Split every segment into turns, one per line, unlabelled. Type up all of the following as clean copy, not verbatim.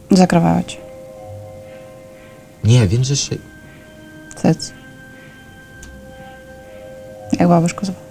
Закривай очі.
Ні, він же ще...
Циц. Як бабушку звав?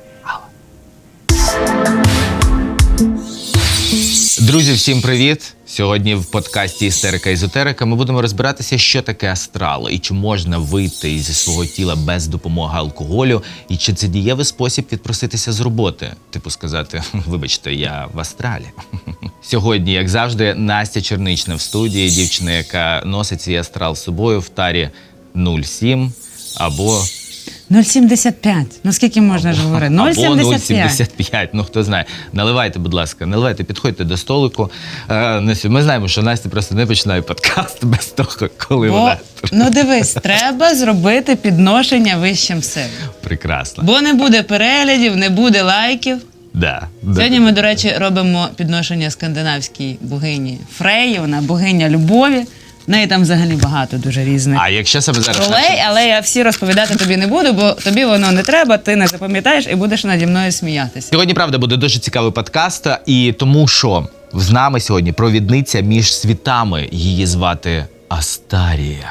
Друзі, всім привіт! Сьогодні в подкасті «Істерика-езотерика» ми будемо розбиратися, що таке астрал, і чи можна вийти зі свого тіла без допомоги алкоголю, і чи це дієвий спосіб відпроситися з роботи. Типу сказати, вибачте, я в астралі. Сьогодні, як завжди, Настя Чернична в студії, дівчина, яка носить свій астрал з собою в тарі 07 або...
0,75. Ну скільки можна ж говорити? 0,75.
Або 0,75, ну хто знає. Наливайте, будь ласка, наливайте, підходьте до столику. Ми знаємо, що Настя просто не починає подкаст без того, коли вона...
Ну дивись, треба зробити підношення вищим силам.
Прекрасно.
Бо не буде переглядів, не буде лайків.
Да.
Сьогодні ми, до речі, робимо підношення скандинавській богині Фреї, вона богиня любові. В неї там взагалі багато дуже різних
А якщо саме зараз...
ролей, але я всі розповідати тобі не буду, бо тобі воно не треба, ти не запам'ятаєш і будеш наді мною сміятися.
Сьогодні, правда, буде дуже цікавий подкаст, і тому що з нами сьогодні провідниця між світами. Її звати Астарія.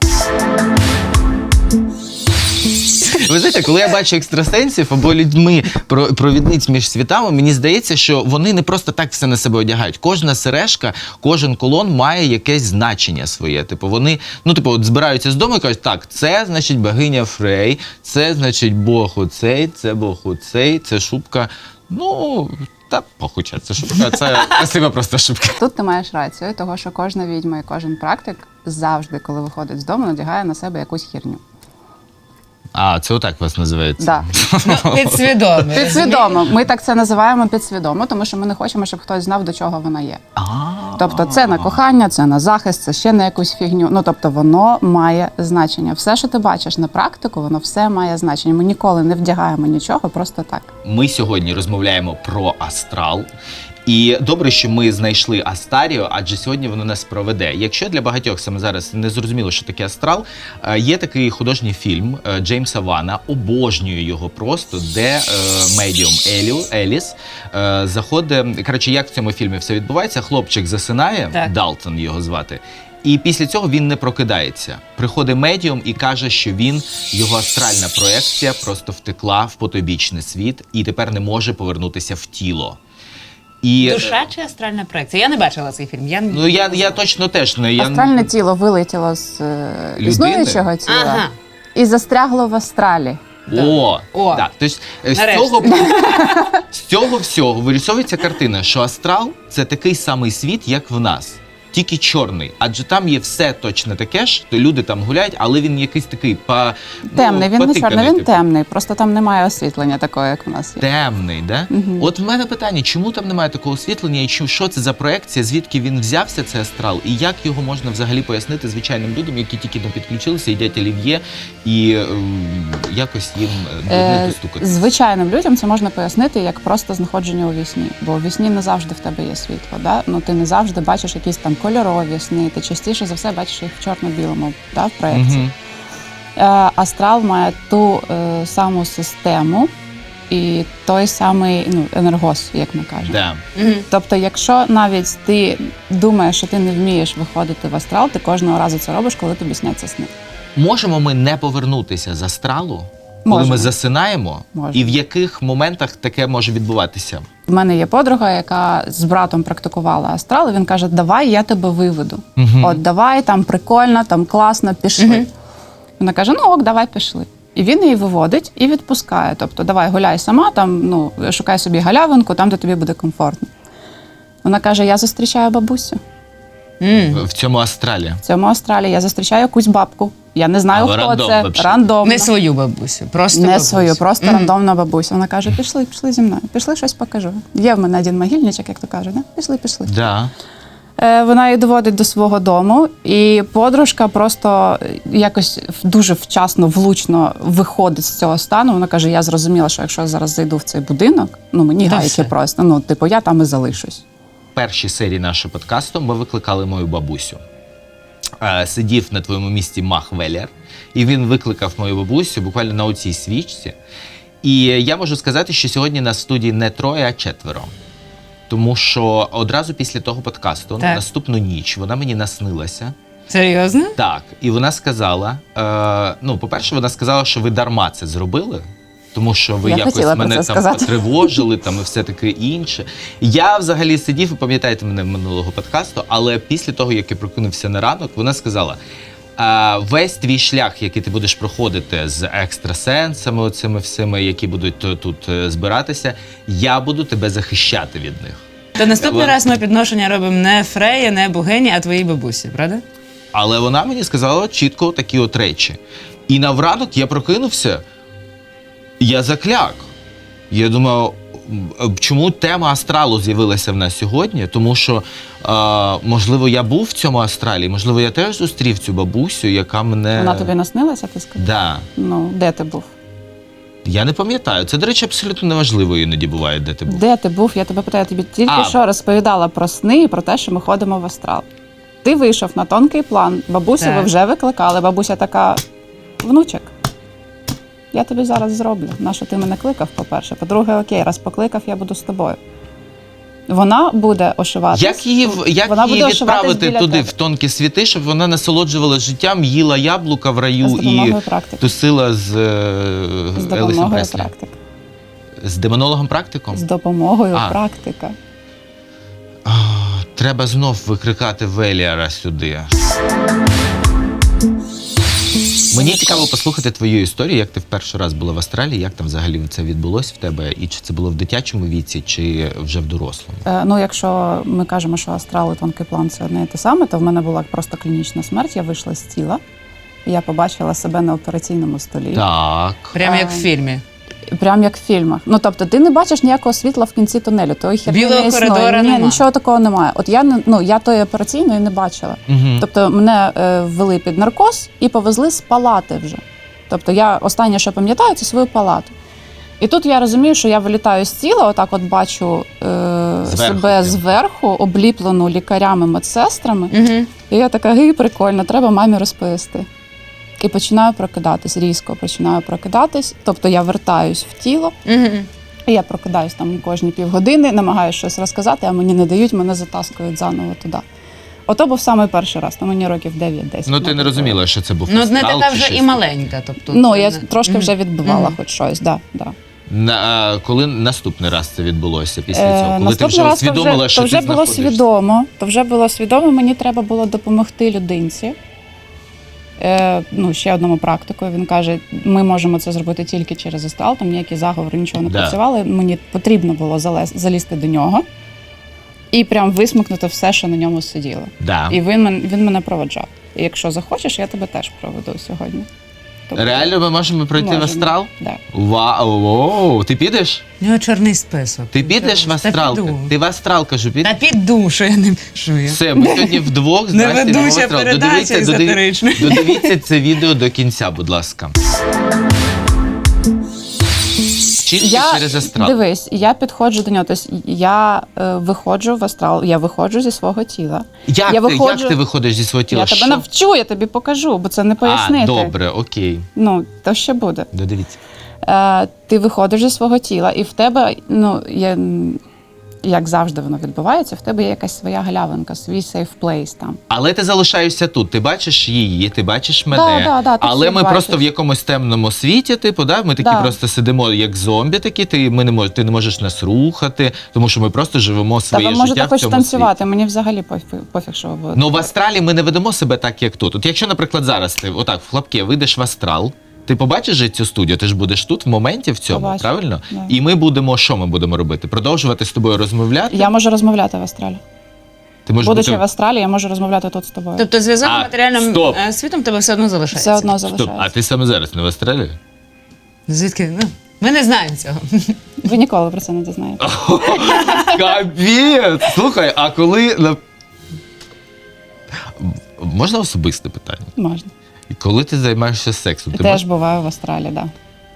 Ви знаєте, коли я бачу екстрасенсів або людьми провідниць між світами, мені здається, що вони не просто так все на себе одягають. Кожна сережка, кожен кулон має якесь значення своє. Типу вони, от збираються з дому і кажуть, так, це, значить, богиня Фрей, це, значить, бог оцей, це бог оцей, це шубка. Похуча, це шубка, це красива просто шубка.
Тут ти маєш рацію, того, що кожна відьма і кожен практик завжди, коли виходить з дому, надягає на себе якусь херню.
А, це отак вас називається?
Да.
Підсвідомо.
Підсвідомо. Ми так це називаємо підсвідомо, тому що ми не хочемо, щоб хтось знав, до чого вона є. Тобто це на кохання, це на захист, це ще на якусь фігню. Тобто воно має значення. Все, що ти бачиш на практику, воно все має значення. Ми ніколи не вдягаємо нічого просто так.
Ми сьогодні розмовляємо про астрал. І добре, що ми знайшли Астарію, адже сьогодні воно нас проведе. Якщо для багатьох саме зараз не зрозуміло, що таке астрал, є такий художній фільм Джеймса Вана, обожнюю його просто, де медіум Еліс заходить, коротше, як в цьому фільмі все відбувається, хлопчик засинає, так. Далтон його звати, і після цього він не прокидається. Приходить медіум і каже, що його астральна проекція просто втекла в потойбічний світ і тепер не може повернутися в тіло.
Душа чи астральна проекція? Я не бачила цей фільм.
Я точно теж не...
Астральне тіло вилетіло з існуючого тіла і застрягло в астралі.
Так. Тобто, з цього всього вирисовується картина, що астрал – це такий самий світ, як в нас. Тільки чорний, адже там є все точно таке ж, то люди там гуляють, але він якийсь такий
темний, він не чорний, він темний, просто там немає освітлення такого, як в нас є.
Темний, да? Угу. От в мене питання, чому там немає такого освітлення, і що це за проекція, звідки він взявся, цей астрал, і як його можна взагалі пояснити звичайним людям, які тільки не підключилися, їдять олів'є, і якось їм не достукати?
Звичайним людям це можна пояснити як просто знаходження у вісні, бо у вісні не завжди в тебе є світло, да? Ти не завжди бачиш якісь там кольорові сни, ти частіше за все бачиш їх в чорно-білому, в проєкті. Астрал має ту саму систему і той самий енергоз, як ми кажемо. Тобто, якщо навіть ти думаєш, що ти не вмієш виходити в астрал, ти кожного разу це робиш, коли тобі сняться сни.
Можемо ми не повернутися з астралу, коли ми засинаємо? І в яких моментах таке може відбуватися?
В мене є подруга, яка з братом практикувала астрал, і він каже, давай я тебе виведу. От давай, там прикольно, там класно, пішли. Вона каже, ок, давай пішли. І він її виводить і відпускає. Тобто, давай гуляй сама, там, шукай собі галявинку, там, де тобі буде комфортно. Вона каже, я зустрічаю бабусю.
В цьому астралі?
В цьому астралі я зустрічаю якусь бабку. Я не знаю, хто це. Рандомно.
Не свою бабусю, просто
не
бабусю.
Свою, просто рандомна бабуся. Вона каже, пішли зі мною, пішли, щось покажу. Є в мене один могильничок, як то кажуть, да? Пішли.
Да.
Вона її доводить до свого дому, і подружка просто якось дуже вчасно, влучно виходить з цього стану. Вона каже, я зрозуміла, що якщо я зараз зайду в цей будинок, мені гайки просто, я там і залишусь.
В першій серії нашого подкасту ми викликали мою бабусю. Сидів на твоєму місці Мах Веллер, і він викликав мою бабусю буквально на оцій свічці. І я можу сказати, що сьогодні нас в студії не троє, а четверо. тому що одразу після того подкасту,
Так.
наступну ніч, вона мені наснилася.
Серйозно?
Так, і вона сказала, по-перше, вона сказала, що ви дарма це зробили, тому що ви
Я хотіла
якось
про
мене
це
там
сказати.
потривожили там, і все таке інше. Я взагалі сидів, ви пам'ятаєте мене минулого подкасту, але після того, як я прокинувся на ранок, вона сказала, весь твій шлях, який ти будеш проходити з екстрасенсами, оцими всіми, які будуть тут збиратися, я буду тебе захищати від них.
То наступний
Вона-
раз ми підношення робимо не Фреї, не богині, а твоїй бабусі, правда?
Але вона мені сказала чітко такі от речі. І на вранок я прокинувся, я закляк. Я думаю, чому тема астралу з'явилася в нас сьогодні? Тому що, можливо, я був в цьому астралі, можливо, я теж зустрів цю бабусю, яка мене...
Вона тобі наснилася, ти сказав?
Да.
Ну, де ти був?
Я не пам'ятаю. Це, до речі, абсолютно неважливо іноді буває, де ти був.
Де ти був? Я тебе питаю, я тобі тільки
А.
що розповідала про сни і про те, що ми ходимо в астрал. Ти вийшов на тонкий план, бабусю
Так.
ви вже викликали, бабуся така, внучок, я тобі зараз зроблю. Нащо ти мене кликав, по-перше? По-друге, окей, раз покликав, я буду з тобою. Вона буде ошиватись.
Як її
вона
відправити
буде ошиватись біля
туди,
тебе.
в тонкі світи, щоб вона насолоджувалася життям, їла яблука в раю
З
і
допомогою практики.
тусила з
З
Елвісом
допомогою
Преслі?
практики.
З демонологом-практиком?
З допомогою
А.
практика.
Треба знов викрикати Веліара сюди. Мені цікаво послухати твою історію, як ти в перший раз була в Австралії, як там взагалі це відбулося в тебе, і чи це було в дитячому віці, чи вже в дорослому?
Ну, якщо ми кажемо, що астрал і тонкий план це одне і те саме, то в мене була просто клінічна смерть. Я вийшла з тіла, і я побачила себе на операційному столі.
Так.
Прямо як в фільмі.
Прям як в фільмах. Ну тобто, ти не бачиш ніякого світла в кінці тунелю. Тої херні
Білого
не існує.
коридора
Ні,
нема.
нічого такого немає. От я тої операційної не бачила.
Угу.
Тобто мене ввели під наркоз і повезли з палати вже. Тобто я останнє, що пам'ятаю, це свою палату. І тут я розумію, що я вилітаю з тіла, отак от бачу себе
прям.
зверху, обліплену лікарями, медсестрами.
Угу.
І я така, гей, прикольно, треба мамі розповісти. І починаю прокидатись, різко починаю прокидатись. Тобто я вертаюсь в тіло,
Угу.
і я прокидаюсь там кожні півгодини, намагаюся щось розказати, а мені не дають, мене затаскують заново туди. Ото був самий перший раз, то мені років 9-10.
Ну ти не розуміла, що це був
Ну, не
астрал
така
чи
вже
щось
і маленька. Тобто,
Ну,
це
я
не-
трошки вже відбивала
Мгм.
хоч щось, да.
Коли наступний раз це відбулося після цього? Коли ти
Наступний
вже
раз
усвідомила, що
то вже
ти
було
знаходишся?
свідомо. То вже було свідомо, мені треба було допомогти людинці. Ще одному практику. Він каже, ми можемо це зробити тільки через астрал, там ніякі заговори, нічого не
Да.
працювали. Мені потрібно було залізти до нього і прям висмикнути все, що на ньому сиділо.
Да.
І він мене проводжав. І якщо захочеш, я тебе теж проведу сьогодні. Тобто,
Реально ми можемо пройти в
можемо.
астрал?
Да.
Вау! Ти підеш?
У нього чорний список.
Ти підеш в
Та
астрал?
піду.
Ти в астрал, кажу, підеш?
Та піду, що я не пишу.
Все, ми сьогодні вдвох з
Не
Настею
ведуся
в астрал.
передачі езотеричної.
Додивіться це відео до кінця, будь ласка. Чисто через астрал.
Дивись, я підходжу до нього. Тобто я виходжу в астрал, я виходжу зі свого тіла.
Як,
я
як ти виходиш зі свого тіла?
Я тебе
Що?
навчу, я тобі покажу, бо це не пояснити.
Добре, окей.
Ну, то ще буде.
Додивіться.
Ти виходиш зі свого тіла, і в тебе, як завжди воно відбувається, в тебе є якась своя галявинка, свій safe place там.
Але ти залишаєшся тут. Ти бачиш її, ти бачиш мене.
Да, ти
але
всіх
ми
бачиш.
просто в якомусь темному світі, типу, да? Ми такі
Да.
просто сидимо як зомбі такі, ти не можеш нас рухати, тому що ми просто живемо
Та
своє
ви
життя
можете
в
хоч
цьому
танцювати, мені взагалі пофіг, що ви будете.
Ну в астралі ми не ведемо себе так, як тут. От якщо, наприклад, зараз ти отак в хлопки вийдеш в астрал, ти побачиш же цю студію, ти ж будеш тут в моменті в цьому,
Побачу,
правильно?
да.
І що ми будемо робити? Продовжувати з тобою розмовляти?
Я можу розмовляти в астралі.
Ти можеш
Будучи
бути...
в астралі, я можу розмовляти тут з тобою.
Тобто зв'язок з матеріальним
стоп.
світом тебе все одно залишається.
Все одно
Стоп,
залишається.
а ти саме зараз не в астралі?
Звідки? Ну, ми не знаємо цього.
Ви ніколи про це не дізнаєтесь.
Капець! Слухай, а коли... Можна особисте питання?
Можна.
Коли ти займаєшся сексом, ти
Теж буваю в астралі, так. Да.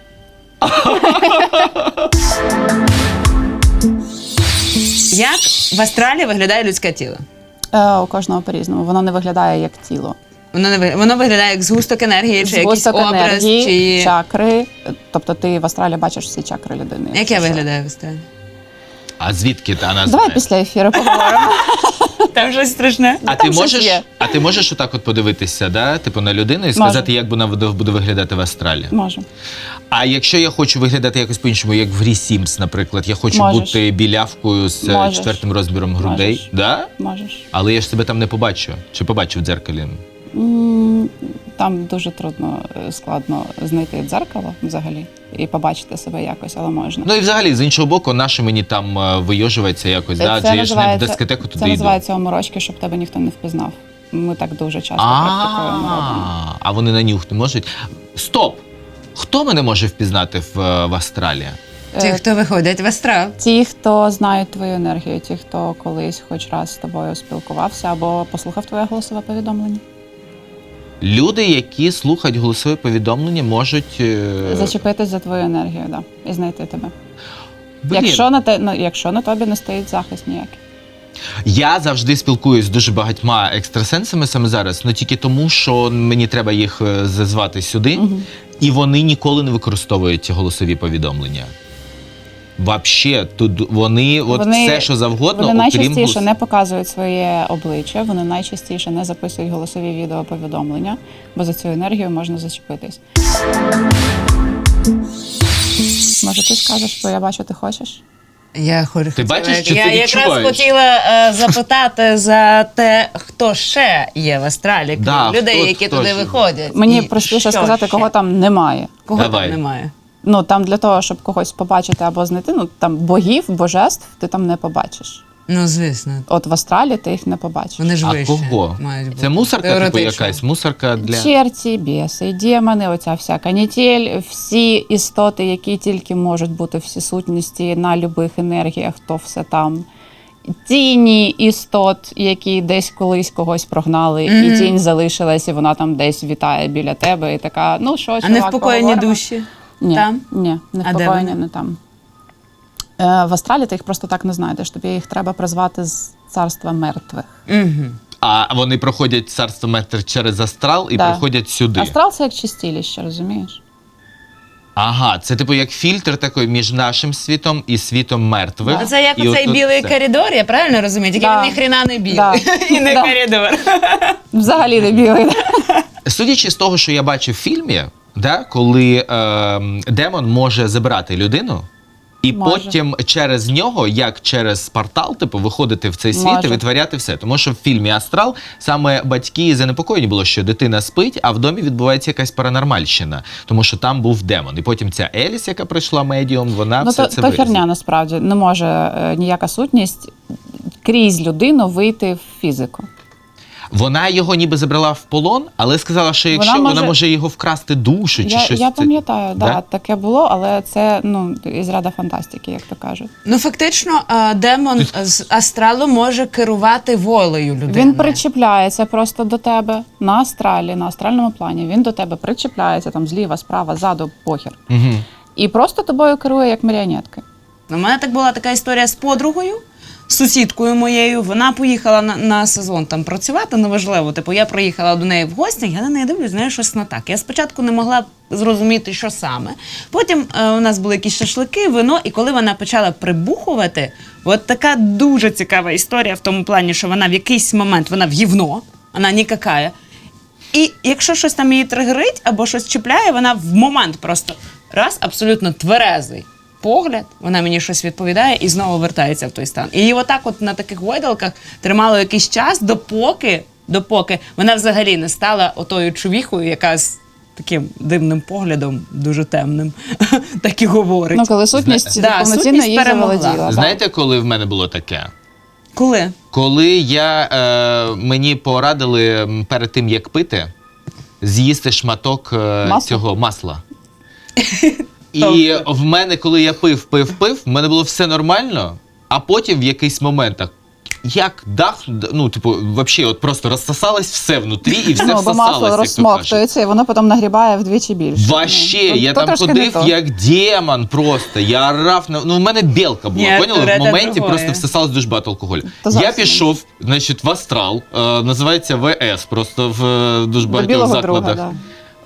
Як в астралі виглядає людське тіло?
У кожного по-різному. Воно не виглядає як тіло.
Воно виглядає як згусток енергії, чи якийсь
Згусток
образ,
енергії,
чи...
чакри. Тобто ти в астралі бачиш всі чакри людини.
Як я виглядаю в астралі?
А звідки вона
Давай
знає?
після ефіру поговоримо.
Там щось страшне.
А
там щось є.
ти можеш отак от подивитися, да? Типу на людину і сказати, як вона буде виглядати в астралі?
Можу.
А якщо я хочу виглядати якось по-іншому, як в грі Sims, наприклад, я хочу
Можеш.
бути білявкою з
Можеш.
4-м розміром грудей,
Можеш.
да?
Можеш.
Але я ж себе там не побачу. Чи побачу в дзеркалі?
Там дуже трудно, складно знайти дзеркало взагалі і побачити себе якось, але можна.
Ну і взагалі, з іншого боку, наше мені там вийожується якось, да? Адже я ж не в дискотеку
це
туди йду.
називається оморочки, щоб тебе ніхто не впізнав. Ми так дуже часто практикуємо. робимо.
А вони на нюх не можуть? Стоп! Хто мене може впізнати в Астралі?
Ті, хто виходять в астрал.
Ті, хто знають твою енергію, ті, хто колись хоч раз з тобою спілкувався або послухав твоє голосове повідомлення.
Люди, які слухають голосові повідомлення, можуть...
Зачепитись за твою енергію, да, і знайти тебе.
Блін.
Якщо на тобі не стоїть захист ніякий.
Я завжди спілкуюсь з дуже багатьма екстрасенсами саме зараз, але тільки тому, що мені треба їх зазвати сюди, і вони ніколи не використовують ці голосові повідомлення. Вообще, тут вони все, що завгодно,
Вони найчастіше
окрім
не показують своє обличчя, вони найчастіше не записують голосові відеоповідомлення, бо за цю енергію можна зачепитись. Може, ти скажеш, бо я бачу, ти хочеш?
Я хочу.
Ти бачиш, чи
я
ти
якраз
відчуваєш?
хотіла запитати за те, хто ще є в астралі, крім
Да,
людей,
хто-
які
хто
туди
ж?
виходять.
Мені
І
простіше
що
сказати,
ще?
кого там немає.
Кого
Давай.
там немає.
Ну, там для того, щоб когось побачити або знайти, ну, там богів, божеств ти там не побачиш.
Ну, звісно.
От в астралі ти їх не побачиш.
Вони ж
А
вище
кого?
мають бути.
Це мусорка, типу
Теоретично.
якась? Мусорка для...
Черті, біси, демони, оця вся канітель, всі істоти, які тільки можуть бути, всі сутності на любих енергіях, то все там. Тіні істот, які десь колись когось прогнали, і тінь залишилась, і вона там десь вітає біля тебе, і така, ну що,
А
чувак,
не впокоєні
поговоримо?
душі?
Ні,
Там?
ні, не
А де
впокоєні,
вони?
не там. В астралі ти їх просто так не знайдеш, тобі їх треба призвати з царства мертвих.
Угу.
А вони проходять царство метр через астрал і
Да.
приходять сюди.
Астрал – це як чистіліще, розумієш?
Ага, це типу як фільтр такий між нашим світом і світом мертвих.
Це як
І
оцей
отут
білий
це.
коридор, я правильно розумію? Тільки
Да.
він ніхрена не білий.
Да.
І не
Да.
коридор.
Взагалі не білий.
Судячи з того, що я бачив в фільмі, да, коли демон може забирати людину, і
Може.
потім через нього, як через портал, типу, виходити в цей світ
Може.
і витворяти все. Тому що в фільмі Астрал саме батьки занепокоєні було, що дитина спить, а в домі відбувається якась паранормальщина, тому що там був демон. І потім ця Еліс, яка прийшла медіум, вона
Ну,
все
то
це
херня насправді. Не може ніяка сутність крізь людину вийти в фізику.
Вона його ніби забрала в полон, але сказала, що якщо вона може його вкрасти душу чи щось.
Я
це-
пам'ятаю,
Да?
таке було, але це із ряду фантастики, як то кажуть.
Ну, фактично, демон з астралу може керувати волею людини.
Він причіпляється просто до тебе на астралі, на астральному плані. Він до тебе причіпляється там зліва, справа, ззаду, похер.
Угу.
І просто тобою керує як маріонетки.
У мене так була така історія з подругою, з сусідкою моєю. Вона поїхала на сезон там працювати, неважливо. Типу, я приїхала до неї в гості, я на неї дивлюсь, знаєш, щось не так. Я спочатку не могла зрозуміти, що саме. Потім у нас були якісь шашлики, вино, і коли вона почала прибухувати, от така дуже цікава історія в тому плані, що вона в якийсь момент, вона в гівно, вона нікакая. І якщо щось там її тригерить або щось чіпляє, вона в момент просто раз, абсолютно тверезий погляд, вона мені щось відповідає і знову вертається в той стан. І її отак от на таких гойдалках тримало якийсь час, допоки вона взагалі не стала отою чувіхою, яка з таким дивним поглядом, дуже темним, так і говорить.
Ну, коли сутність
Да,
повноцінно
сутність
її
перемогла.
заволоділа.
Знаєте, коли в мене було таке?
Коли?
Коли мені порадили перед тим, як пити, з'їсти шматок
Масла?
цього масла. І в мене, коли я пив, в мене було все нормально, а потім в якийсь момент так, як дах, ну, типу, взагалі, от просто розсосалось все внутрі і все
Бо
всосалось,
масло
як то кажуть.
розсмоктується, і воно потім нагрібає вдвічі більше.
Вообще,
Ну,
я
то
там
трошки не
ходив
то.
як демон просто. Я орав, ну в мене білка була,
Ні,
поняли? В
Туретта
моменті
другое.
просто всосалось дуже багато алкоголю.
То
Я
зовсім
пішов, значить, в Астрал, називається ВС, просто в дуже
До
багатьох
білого
закладах.
друга,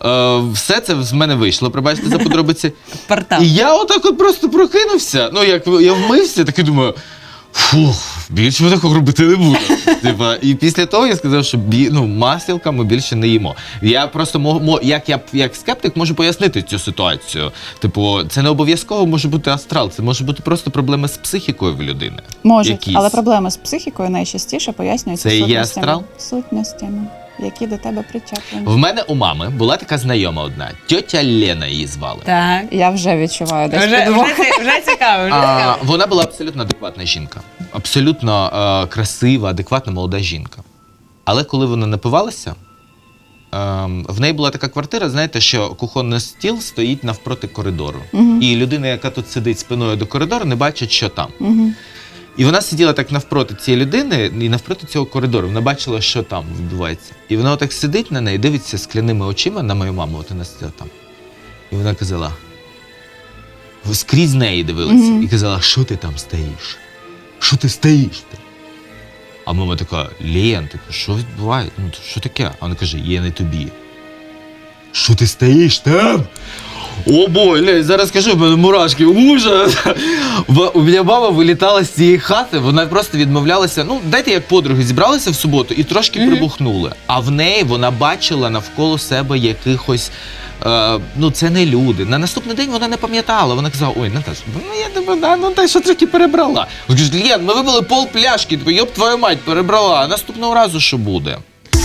Все це з мене вийшло, пробачте за подробиці.
Портал.
І я отак от просто прокинувся. Ну, як я вмився, так і думаю, фух, більше ми такого робити не буду. Типа, і після того я сказав, що масілка ми більше не їмо. Я просто як скептик можу пояснити цю ситуацію. Типу, це не обов'язково може бути астрал, це може бути просто проблеми з психікою в людини.
Можуть,
Якісь.
але проблеми з психікою найчастіше пояснюються
Це і є
сутностями.
астрал?
Сутностями, які до тебе причеплені.
В мене у мами була така знайома одна, тьотя Лена її звали.
Так.
Я вже відчуваю десь
Вже
підвох.
цікаво, вже цікаво.
Вона була абсолютно адекватна жінка. Абсолютно красива, адекватна молода жінка. Але коли вона напивалася, в неї була така квартира, знаєте, що кухонний стіл стоїть навпроти коридору. І людина, яка тут сидить спиною до коридору, не бачить, що там. І вона сиділа так навпроти цієї людини і навпроти цього коридору. Вона бачила, що там відбувається. І вона отак сидить на неї, дивиться скляними очима на мою маму, от вона сиділа там. І вона казала, скрізь неї дивилася, і казала, що ти там стоїш? Що ти стоїш? А мама така, Лен, що відбувається? Ну, що таке? А вона каже, є не тобі. Що ти стоїш там? О, бой, Лень, зараз скажу, в мене мурашки, ужас. У мене мама вилітала з цієї хати, вона просто відмовлялася, дайте як подруги, зібралися в суботу і трошки прибухнули. А в неї вона бачила навколо себе якихось, це не люди. На наступний день вона не пам'ятала, вона казала, ой, Наташ, я тебе, та що трохи перебрала. Вона каже, Лен, ми випили пол пляшки, йоб твою мать, перебрала, а наступного разу що буде?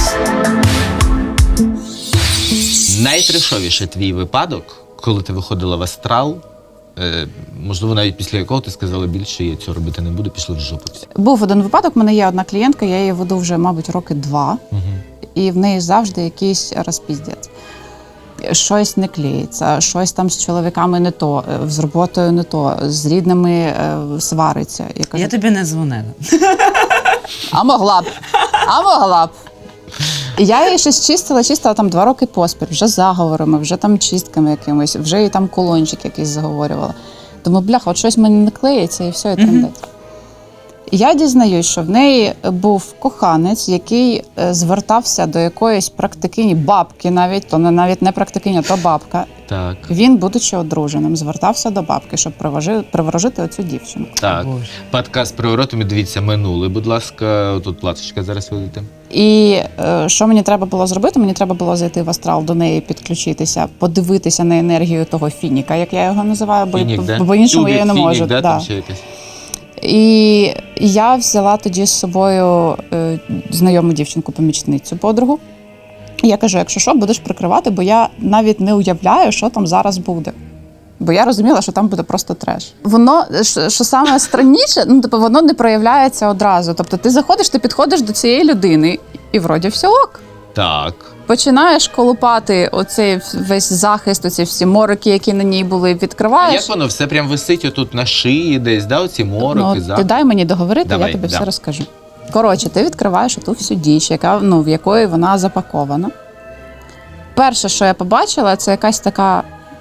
Найтрешовіший твій випадок, коли ти виходила в астрал, можливо, навіть після якого ти сказала, більше я цього робити не буду, пішли в жопу всі.
Був один випадок, в мене є одна клієнтка, я її веду вже, мабуть, роки 2, і в неї завжди якийсь розпіздець. Щось не клеїться, щось там з чоловіками не то, з роботою не то, з рідними свариться.
Я тобі не дзвонила.
А могла б. І я її щось чистила там 2 роки поспіль, вже заговорами, вже там чистками якимось, вже і там колончик якийсь заговорювала. Думаю, бляха, от щось в мене не клеїться і все, і трендець. Я дізнаюсь, що в неї був коханець, який звертався до якоїсь практикині, бабки навіть, то навіть не практикиня, то бабка.
Так.
Він, будучи одруженим, звертався до бабки, щоб приворожити оцю дівчину.
Так.
Боже.
Подкаст «Приворотами», дивіться, минулий, будь ласка, тут платочка зараз видите.
І що мені треба було зробити? Мені треба було зайти в астрал, до неї підключитися, подивитися на енергію того фініка, як я його називаю,
Фінік, да?
бо іншому я її не
Фінік,
можу.
да,
Да.
там ще якесь?
І я взяла тоді з собою знайому дівчинку-помічницю, подругу. І я кажу, якщо що, будеш прикривати, бо я навіть не уявляю, що там зараз буде. Бо я розуміла, що там буде просто треш. Воно, що саме странніше, воно не проявляється одразу. Тобто ти заходиш, ти підходиш до цієї людини, і вроді все ок.
Так.
Починаєш колупати оцей весь захист, оці всі морики, які на ній були,
А
відкриваєш.
як воно? Все прям висить отут на шиї десь, да, оці мороки,
Ти дай мені договорити,
Давай,
я тобі
да.
все розкажу. Коротше, ти відкриваєш оту всю діч, в якої вона запакована. Перше, що я побачила, це якась така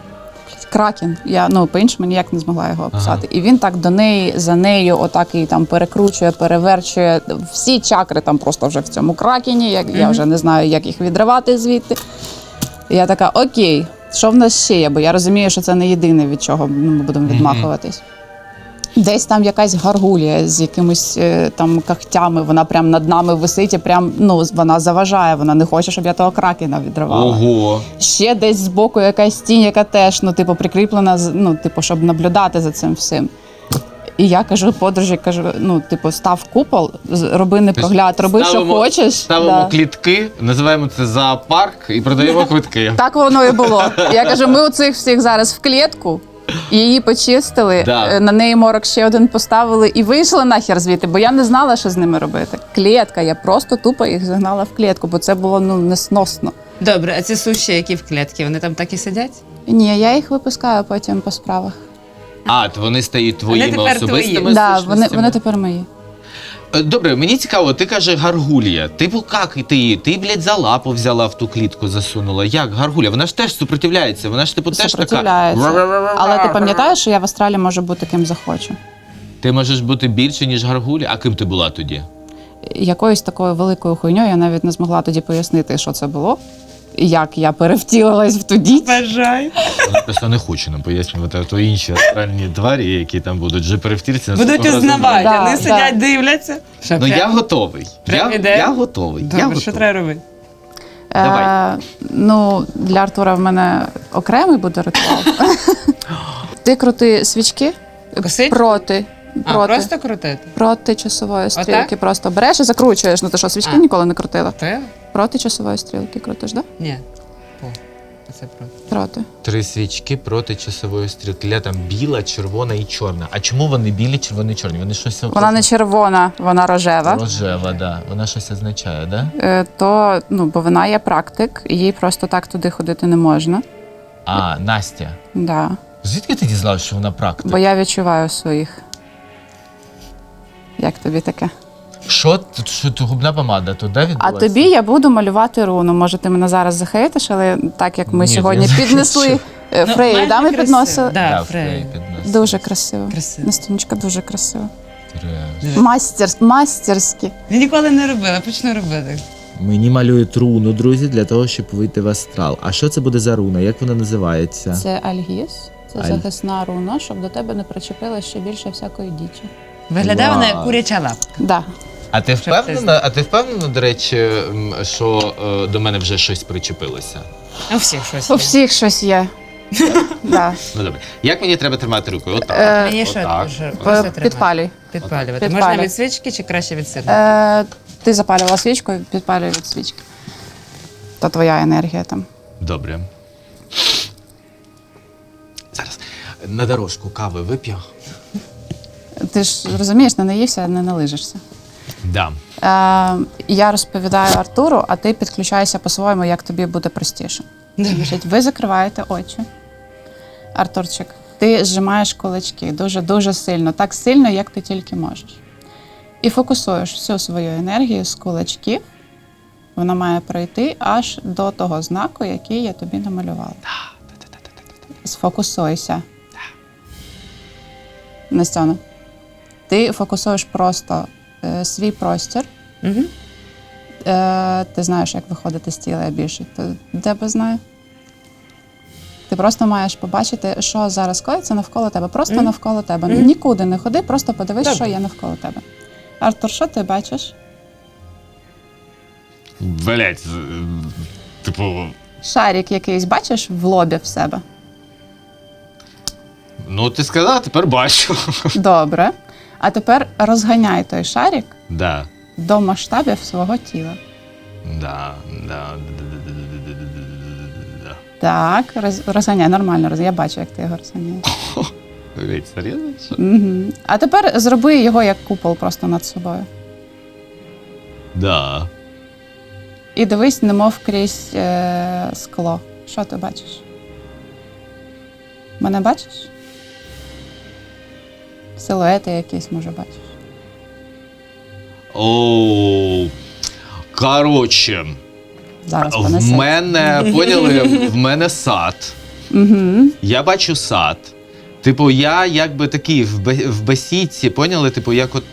кракен. Я по-іншому ніяк не змогла його описати. І він так до неї, за нею, отак її там перекручує, переверчує. Всі чакри там просто вже в цьому кракені. Я вже не знаю, як їх відривати звідти. І я така, окей, що в нас ще є? Бо я розумію, що це не єдине, від чого ми будемо відмахуватись. Десь там якась гаргулія з якимись там когтями, вона прям над нами висить і прям, вона заважає, вона не хоче, щоб я того кракена відривала.
Ого.
Ще десь збоку якась тінь, яка теж, прикріплена, щоб наблюдати за цим всім. І я кажу подружі, став купол, роби непрогляд, роби, що хочеш.
Ставимо клітки, називаємо це зоопарк і продаємо квитки.
Так воно і було. Я кажу, ми оцих всіх зараз в клітку, її почистили, на неї морок ще один поставили і вийшли нахер звідти, бо я не знала, що з ними робити. Клітка, я просто тупо їх загнала в клітку, бо це було несносно.
Добре, а ці суші, які в клітці, вони там так і сидять?
Ні, я їх випускаю потім по справах.
А, то вони стають твоїми
тепер
особистими
твої.
Да,
сущностями?
вони тепер мої.
Добре, мені цікаво, ти кажеш гаргулія. Типу, як ти її? Ти, за лапу взяла в ту клітку, засунула. Як гаргулія? Вона ж теж супротивляється, вона ж теж така...
Супротивляється. Але ти пам'ятаєш, що я в астралі можу бути ким захочу?
Ти можеш бути більше, ніж гаргулія? А ким ти була тоді?
Якоюсь такою великою хуйньою я навіть не змогла тоді пояснити, що це було. як я перевтілилась в ту діч.
Бажаю.
Вона просто не хоче нам пояснювати, то інші астральні тварі, які там будуть вже перевтілися.
Будуть узнавати,
Да,
вони
да.
сидять, дивляться. Що,
Ну я
прям?
готовий.
Прям іде?
Я готовий.
Добре,
я
що
готовий.
треба робити?
Давай.
Ну, для Артура в мене окремий буде ритуал. Ти крути свічки
Косить?
проти.
А, просто крутити?
Проти часової
Отак?
стрілки. Просто береш і закручуєш. Ну ти що, свічки
А.
ніколи не крутила?
Ти?
Проти часової стрілки крутиш, да?
Ні. О, це проти.
Проти.
3 свічки проти часової стрілки. Ля там біла, червона і чорна. А чому вони білі, червоні і чорні? Вони щось
Вона не червона, вона рожева.
рожева, да. Вона щось означає, да?
То, ну, бо вона є практик, їй просто так туди ходити не можна.
А, Настя.
Да.
Звідки ти дізналась, що вона практик?
Бо я відчуваю своїх. Як тобі таке?
Що тут губна помада? То де
А
відбулася?
тобі я буду малювати руну. Може, ти мене зараз захейтиш, але так як ми
Ні,
сьогодні
я
піднесли Фреї,
майже
да, ми
красиво.
підносили?
Да,
Да,
Фрей.
Фрей підносить.
Дуже красиво.
Красиво.
Настіночка дуже красиво.
Треш.
Мастерськи.
Я ніколи не робила, почну робити.
Мені малюють руну, друзі, для того, щоб вийти в астрал. А що це буде за руна? Як вона називається?
Це Альгіс, це
Аль-
захисна руна, щоб до тебе не причепило ще більше всякої дічі.
Виглядає вона як
Вау.
куряча лапка.
Да.
А ти
Щоб ти
впевнена, до речі, що до мене вже щось причепилося?
У всіх щось
У
є.
всіх щось є. Да.
Ну добре. Як мені треба тримати рукою? Отак.
Мені що
Отак.
дуже ось тримати.
Підпалюй.
Підпалювати.
Підпалюй.
Можна від свічки чи краще від сиру?
Ти запалювала свічку, підпалюй від свічки. То твоя енергія там.
Добре. Зараз на дорожку кави вип'ю.
Ти ж розумієш, не наївся, не налижишся.
Да.
Я розповідаю Артуру, а ти підключаєшся по-своєму, як тобі буде простіше. Значить, ви закриваєте очі. Артурчик, ти зжимаєш кулачки дуже-дуже сильно, так сильно, як ти тільки можеш. І фокусуєш всю свою енергію з кулачків. Вона має пройти аж до того знаку, який я тобі намалювала. Сфокусуйся. Настяна, ти фокусуєш просто свій простір.
Угу.
Ти знаєш, як виходити з тіла більше. Тебе знає. Ти просто маєш побачити, що зараз коїться навколо тебе. Просто навколо тебе. Нікуди не ходи, просто подивись,
Добре.
що є навколо тебе. Артур, що ти бачиш?
Блять, типу,
Шарик якийсь бачиш в лобі в себе?
ну ти сказала, тепер бачу.
Добре. А тепер розганяй той шарик
Да.
до масштабів свого тіла.
Да.
Так, розганяй, нормально. Я бачу, як ти його розганяєш.
Блять, серйозно?
Угу. А тепер зроби його як купол просто над собою.
Да.
І дивись, немов крізь скло. Що ти бачиш? Мене бачиш? Силуети якісь, може, бачиш.
Оу. Коротше,
Зараз
в
понесе.
мене, поняли, в мене сад.
Угу.
Я бачу сад. Типу, я якби такий в бесідці, поняли? Типу, як от.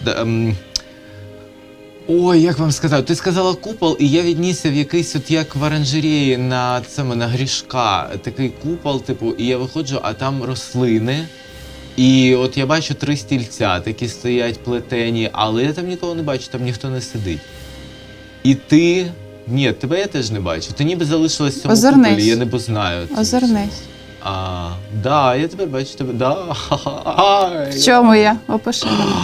Ой, як вам сказати? Ти сказала купол, і я віднісся в якийсь от як в оранжереї на цьому, на Грішка. Такий купол, типу, і я виходжу, а там рослини. І от я бачу 3 стільця, такі стоять плетені, але я там нікого не бачу, там ніхто не сидить. І ти. Ні, тебе я теж не бачу. Ти ніби залишилась в цьому
Озирнись.
куполі, я не знаю.
Озирнись.
Да, я тепер бачу тебе. Да. Ай.
В чому я? Опиши мене.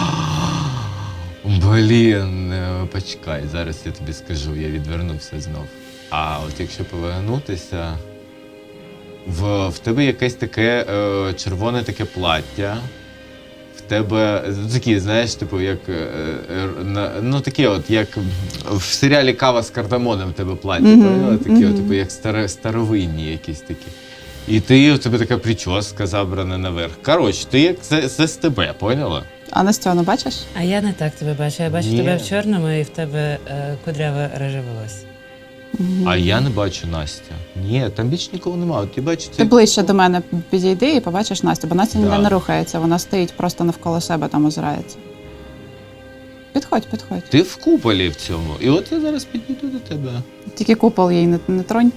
Блін, почекай, зараз я тобі скажу, я відвернувся знов. А от якщо повернутися, в тебе якесь таке червоне таке плаття. В тебе такі, знаєш, типу, як ну таке от, як в серіалі Кава з кардамоном в тебе плаття, поняла? Такі от, типу, як старовинні якісь такі. І ти, в тебе така прическа забрана наверх. Коротше, ти як з тебе, поняла?
А Настяну бачиш?
А я не так тебе бачу. Я бачу
Ні.
тебе в чорному і в тебе кудряве реже волосся.
А я не бачу Настя. Ні, там більше нікого немає. От я бачу
Ти
цей...
ближче до мене підійди і побачиш Настю, бо Настя ніде
Да.
не рухається, вона стоїть просто навколо себе там озирається. Підходь.
Ти в куполі в цьому. І от я зараз підійду до тебе.
Тільки купол їй не тронь.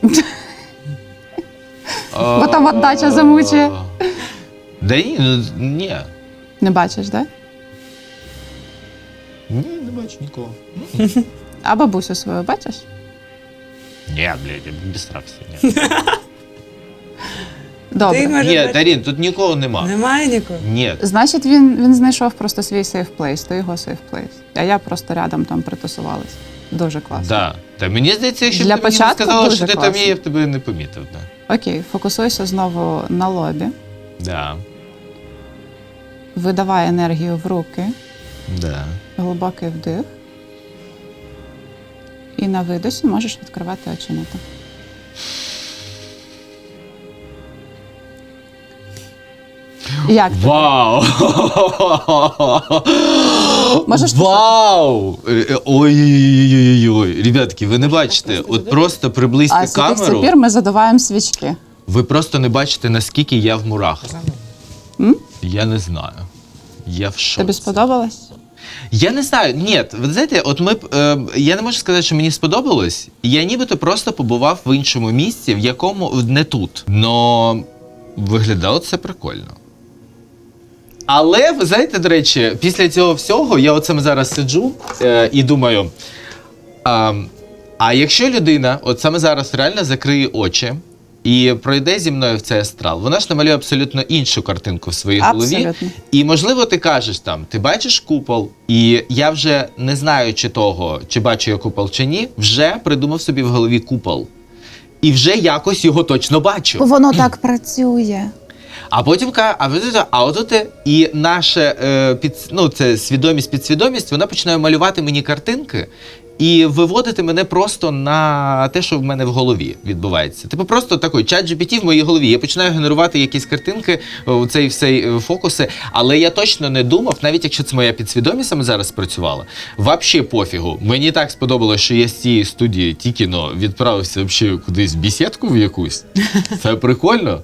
Бо там отдача замучує.
Да ні.
Не бачиш, так?
Ні, не бачу нікого.
А бабусю свою бачиш?
Ні, блядь, я без страху. Ні.
Добре.
Ні, Дарін, тут нікого нема.
Немає нікого.
Ні.
Значить, він знайшов просто свій сейф плейс, то його сейф плейс. А я просто рядом там притусувалась. Дуже класно.
Да. Та мені здається, якщо б
Для
ти мені не
початку
сказала,
дуже
що ти там
класно.
є, я б тебе не помітив. Да.
Окей, фокусуйся знову на лобі.
Да.
Видавай енергію в руки.
Да.
Глибокий вдих. І на видосі можеш відкривати оченята. Як тобі?
Вау!
Можеш
Вау! Ой-ой-ой-ой-ой. Ребятки, ви не бачите, от просто приблизьте
А з яких
камеру,
пір ми задуваємо свічки?
ви просто не бачите, наскільки я в мурах.
М?
Я не знаю. Я в шоці.
Тобі сподобалось?
Я не знаю, ні, ви знаєте, от я не можу сказати, що мені сподобалось. Я нібито просто побував в іншому місці, в якому не тут. Но виглядало це прикольно. Але, ви знаєте, до речі, після цього всього я от саме зараз сиджу і думаю, а якщо людина от саме зараз реально закриє очі і пройде зі мною в цей астрал, вона ж намалює абсолютно іншу картинку в своїй голові.
Абсолютно.
І, можливо, ти кажеш там, ти бачиш купол, і я вже не знаю, чи бачу я купол, чи ні, вже придумав собі в голові купол. І вже якось його точно бачу.
Воно так працює.
А потім отут і наша це свідомість, підсвідомість, вона починає малювати мені картинки і виводити мене просто на те, що в мене в голові відбувається. Типу просто такий чат GPT в моїй голові. Я починаю генерувати якісь картинки, цей все фокуси, але я точно не думав, навіть якщо це моя підсвідомість саме зараз працювала, вообще пофігу. Мені так сподобалось, що я з цієї студії тільки-но відправився вообще кудись в бесідку в якусь. Це прикольно.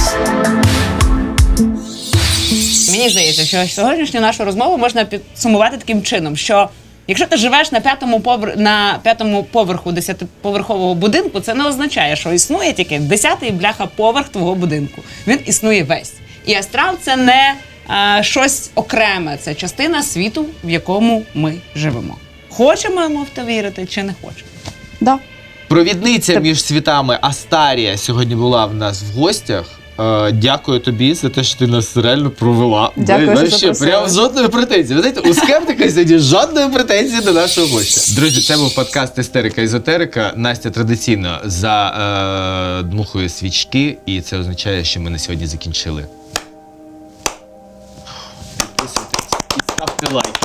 Мені здається, що сьогоднішню нашу розмову можна підсумувати таким чином, що якщо ти живеш на п'ятому поверху 10-поверхового будинку, це не означає, що існує тільки 10-й бляха поверх твого будинку. Він існує весь. І астрал – це не щось окреме, це частина світу, в якому ми живемо. Хочемо ми в те вірити чи не хочемо?
Да.
Провідниця між світами Астарія сьогодні була в нас в гостях. Дякую тобі за те, що ти нас реально провела.
Дякую, що запросили.
Прям жодної претензії. Ви знаєте, у скептика сьогодні жодної претензії до нашого гостя. Друзі, це був подкаст «Істерика-езотерика». Настя традиційно задмухує свічки, і це означає, що ми на сьогодні закінчили. Підписуйтесь і ставте лайк.